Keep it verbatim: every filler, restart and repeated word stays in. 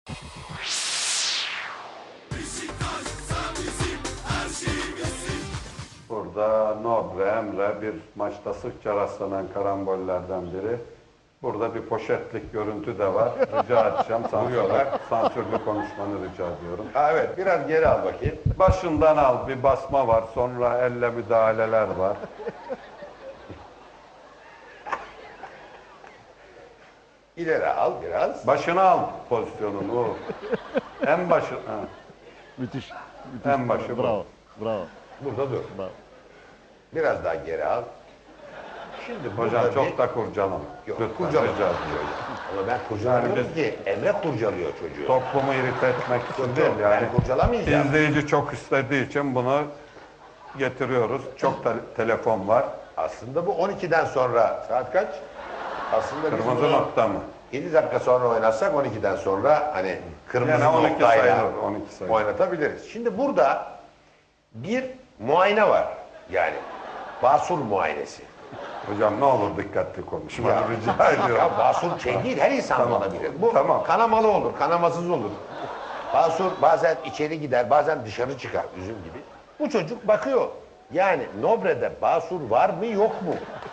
Burada Nobre, Emre bir maçta sıkça rastlanan karambollerden biri. Burada bir poşetlik görüntü de var. Rica edeceğim. Sansürlü, sansürlü konuşmanı rica ediyorum. Ha, evet, biraz geri al bakayım. Başından al. Bir basma var. Sonra elle müdahaleler var. İleri al biraz. Başına al pozisyonunu. O. En başı. Ha. Müthiş. müthiş. En başı bu. Bravo. Bravo. Burada dur. Bravo. Biraz daha geri al. Şimdi Hocam burada çok bir- da kurcalama. Yok, Lütfen kurcalıyor. rica ediyorum. Ama ben kurcalamıyorum Yani biz- ki. Emre kurcalıyor çocuğu. Toplumu irite etmek için Yok, değil yok, yani. ben kurcalamayacağım. İzleyici çok istediği için bunu getiriyoruz. Çok da telefon var. Aslında bu on ikiden sonra. Saat kaç? Aslında biz Kırmızı bunu nokta mı? yedi dakika sonra oynatsak on ikiden sonra hani kırmızı Yani on iki noktayla sayılır, on iki sayılır. oynatabiliriz. Şimdi burada bir muayene var. Yani basur muayenesi. Hocam ne olur dikkatli konuşma. Ya, Rica ediyorum. ya basur şey değil, her insan Tamam. olabilir. Bu Tamam. kanamalı olur, kanamasız olur. Basur bazen içeri gider, bazen dışarı çıkar, üzüm gibi. Bu çocuk bakıyor. Yani Nobre'de basur var mı yok mu?